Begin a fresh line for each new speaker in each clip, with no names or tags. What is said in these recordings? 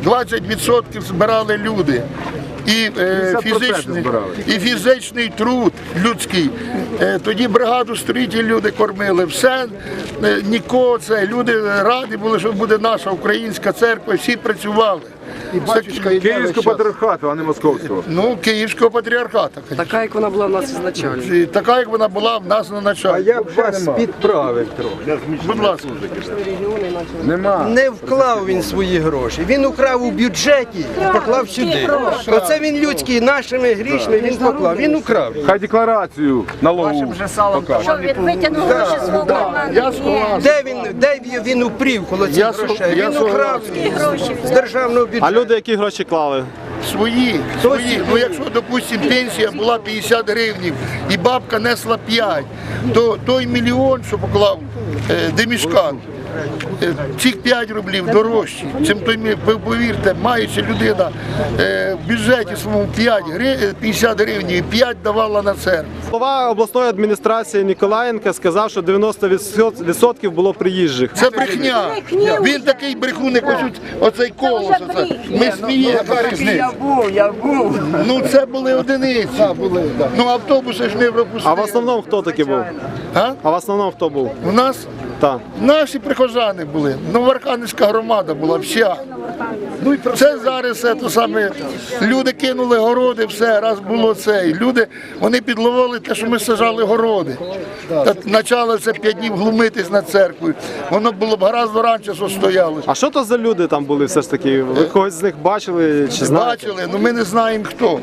20% збирали люди. І фізичний труд людський. Тоді бригаду строїтелів люди кормили. Все, нікого це. Люди раді були, що буде наша українська церква, всі працювали.
Київського патріархату, а не московського.
Ну, Київського патріархату.
Така, як вона була в нас ізначально.
Така, як вона була в нас на началі.
Я б вас підправив трохи.
Будь ласка.
Нема.
Не вклав він свої гроші. Він украв у бюджеті і поклав сюди. Оце він людський, нашими грішми він поклав. Він украв.
Хай декларацію налогову покаже.
Що він витягнув гроші з свого карману?
Я склав.
Де він упрів коло цих грошей? Він украв з державного бюджету.
А люди які гроші клали?
Свої. Ну, якщо, допустимо, пенсія була 50 гривнів і бабка несла 5, то той мільйон, що поклав Демішкан, цих 5 рублів дорожчі, чим той, повірте, маючи людина в бюджеті своєму 50 гривень і 5 давала на церкву.
Голова обласної адміністрації Ніколаєнка сказав, що 90% було приїжджих.
Це брехня. Він такий брехун, як оцей колос. Ми сміємося.
Я був.
Ну це були одиниці. Ну автобуси ж не пропустили.
А в основному хто такий був? А в основному хто був?
У нас
Так.
наші прихожани були. Новоархангельська громада була вся. Ну і це зараз це то саме. Люди кинули городи, все, раз було це. І люди, вони підловили те, що ми сажали городи. Та почали це 5 днів глумитись над церквою. Воно було б гораздо раніше, що стояло.
А що то за люди там були все ж таки? Ви когось з них бачили чи знаєте?
Бачили, але ми не знаємо хто.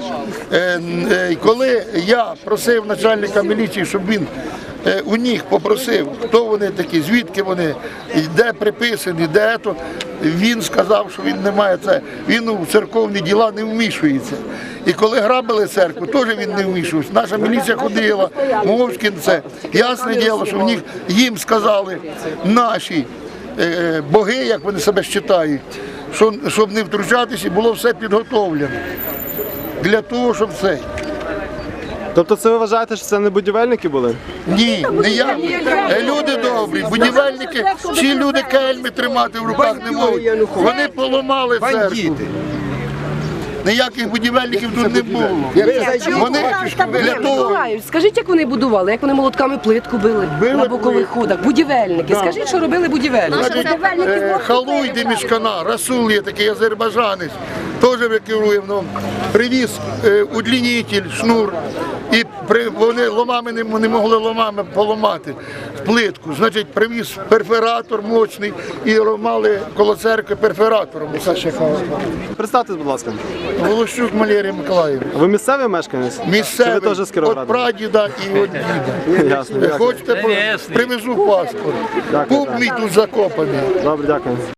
Коли я просив начальника міліції, щоб він у них попросив, хто вони такі, звідки вони, де приписані, де то, він сказав, що він не має це, він у церковні діла не вмішується. І коли грабили церкву, теж він не вмішувався. Наша міліція ходила, Мовчкін це. Ясне діло, що в них, їм сказали наші боги, як вони себе вважають, щоб не втручатися, було все підготовлено для того, щоб це.
Тобто це ви вважаєте, що це не будівельники були?
Ні, не я. Люди добрі, будівельники, ці люди кельми тримати в руках не можуть. Вони поламали церкву. Ніяких будівельників тут не було. Вони для того...
Скажіть, як вони будували, як вони молотками плитку били на бокових ходах, будівельники. Скажіть, що робили будівельники.
Халуй Демішкана, Расул є такий азербайджанець, теж керує, привіз удлінитель, шнур, і вони ломами не могли ломами поламати плитку. Значить, привіз перфоратор мощний і ламали коло церкви перфоратором.
Представтесь, будь ласка.
Волощук Валерій Миколаївна.
Ви місцевий мешканець?
Місцевий,
Чи ви теж з
від
Кіровограда?
прадіда і від діда.
Ясно, дякую.
Хочете, привезу паспорт. Пуп мій тут закопаний.
Добре, дякую.